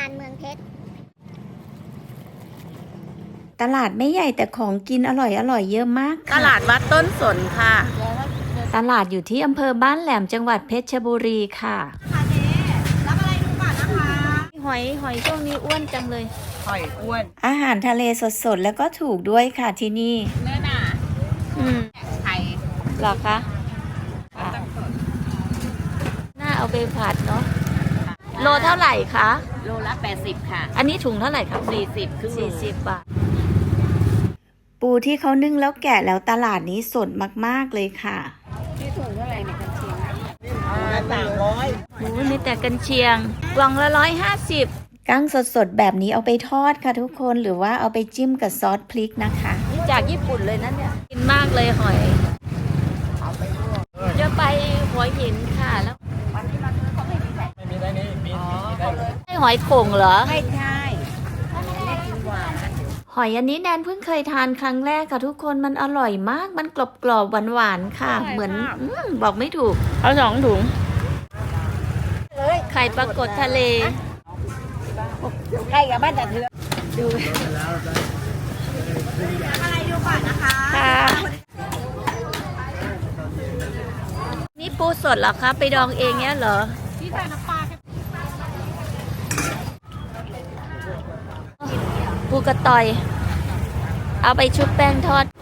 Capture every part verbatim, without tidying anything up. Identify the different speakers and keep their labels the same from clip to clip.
Speaker 1: เมืองเพชร
Speaker 2: ตลาดไม่ใหญ่แต่ของกินอร่อยอร่อยเยอะมาก
Speaker 3: ตลาดวัดต้นสนค่ะ
Speaker 2: ตลาดอยู่ที่อำเภอบ้านแหลมจังหวัดเพชรบุรีค่ะ
Speaker 1: ค่ะเจ๊รับอะไรดูก่อนนะคะ
Speaker 2: หอยหอยช่วงนี้อ้วนจังเลย
Speaker 3: หอยอ้วน
Speaker 2: อาหารทะเลสดๆแล้วก็ถูกด้วยค่ะที่นี่
Speaker 3: เนื้อหนา
Speaker 2: อืม
Speaker 3: ไข่
Speaker 2: หรอคะน่าเอาไปผัดเนาะโลเท่าไหร่คะ
Speaker 3: โลละแปดสิบค่ะ
Speaker 2: อันนี้ถุงเท่าไหร่ครับ
Speaker 3: สี่สิบครึ่ง
Speaker 2: สี่สิบบาทปูที่เขานึ่งแล้วแกะแล้วตลาดนี้สดมากๆเลยค่ะ
Speaker 3: ที่ถุงเท่าไหร่เนี่ยกันเชียงสามร้อย
Speaker 2: โอ้มีแต่กันเชียงกล่องละร้อยห้าสิบกั้งสดๆแบบนี้เอาไปทอดค่ะทุกคนหรือว่าเอาไปจิ้มกับซอสพริกนะคะนี่จากญี่ปุ่นเลยนะเนี่ยกินมากเลยหอยจะไปหัวหินค่ะแล้ว
Speaker 3: วันนี้มาซื้อเขาไม่มีใส่ไม่มีได้นี่มีมีได้เลย
Speaker 2: ให้หอยโข่งเหรอ
Speaker 3: ไม่ใช่ไม่กินหวาน
Speaker 2: หอยอันนี้แนนเพิ่งเคยทานครั้งแรกค่ะทุกคนมันอร่อยมากมันกรอบๆหวานๆค่ะเหมือนบอกไม่ถูกเอาสองถุงไข่ปลากดทะเล
Speaker 3: ใกล้กับบ้านแต่เธอ
Speaker 2: ดู
Speaker 1: อะไรดูก่อนนะคะ
Speaker 2: ค่ะนี่ปูสดเหรอคะไปดองเองเนี้ยเหรอ
Speaker 1: พี่ใส่น้ำปลา
Speaker 2: ปูกระต่อยเอาไปชุบแป้งทอด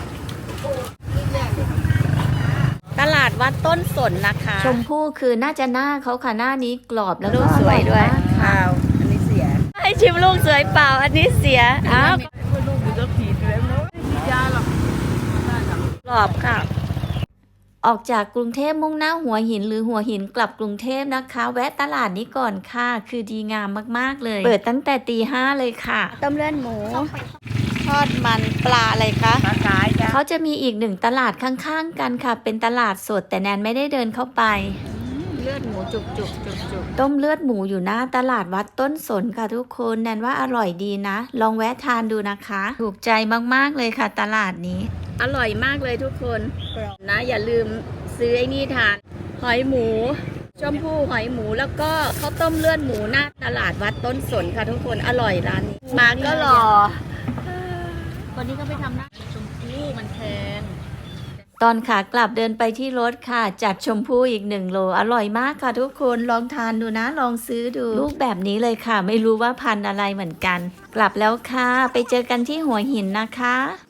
Speaker 2: ตลาดวัดต้นสนนะคะชมพู่คือน่าจะหน้าเขาค่ะหน้านี้กรอบแล้วก็
Speaker 3: สวยด้วย
Speaker 2: ค่ะ
Speaker 3: อันนี้เสีย
Speaker 2: ให้ชิมลูกสวยเปล่าอันนี้เสียอ้าว
Speaker 3: ลูกมันจะผีเลยมั้ยไม่ยาหรอก
Speaker 2: กรอบค่ะออกจากกรุงเทพมุ่งหน้าหัวหินหรือหัวหินกลับกรุงเทพนะคะแวะตลาดนี้ก่อนค่ะคือดีงามมากๆเลยเปิดตั้งแต่ตีห้าเลยค่ะต้มเลือดหมูทอดมันปลาอะไรคะ
Speaker 3: ปลาขายจ้ะ
Speaker 2: เขาจะมีอีกหนึ่งตลาดข้างๆกันค่ะเป็นตลาดสดแต่แนนไม่ได้เดินเข้าไป
Speaker 3: เลือดหมูจุกจุกจุกจุก
Speaker 2: ต้มเลือดหมูอยู่หน้าตลาดวัดต้นสนค่ะทุกคนแนนว่าอร่อยดีนะลองแวะทานดูนะคะถูกใจมากๆเลยค่ะตลาดนี้อร่อยมากเลยทุกคนนะอย่าลืมซื้อไอ้นี่ทานหอยหมูชมพู่หอยหมูแล้วก็ข้าวต้มเลือดหมูหน้าตลาดวัดต้นสนค่ะทุกคนอร่อยร้านนี้มาก็รอ
Speaker 1: วันนี้ก็ไปทำหน้าชมพู่มันแพง
Speaker 2: ตอนขากลับเดินไปที่รถค่ะจัดชมพู่อีกหนึ่งโลอร่อยมากค่ะทุกคนลองทานดูนะลองซื้อดูลูกแบบนี้เลยค่ะไม่รู้ว่าพันธุ์อะไรเหมือนกันกลับแล้วค่ะไปเจอกันที่หัวหินนะคะ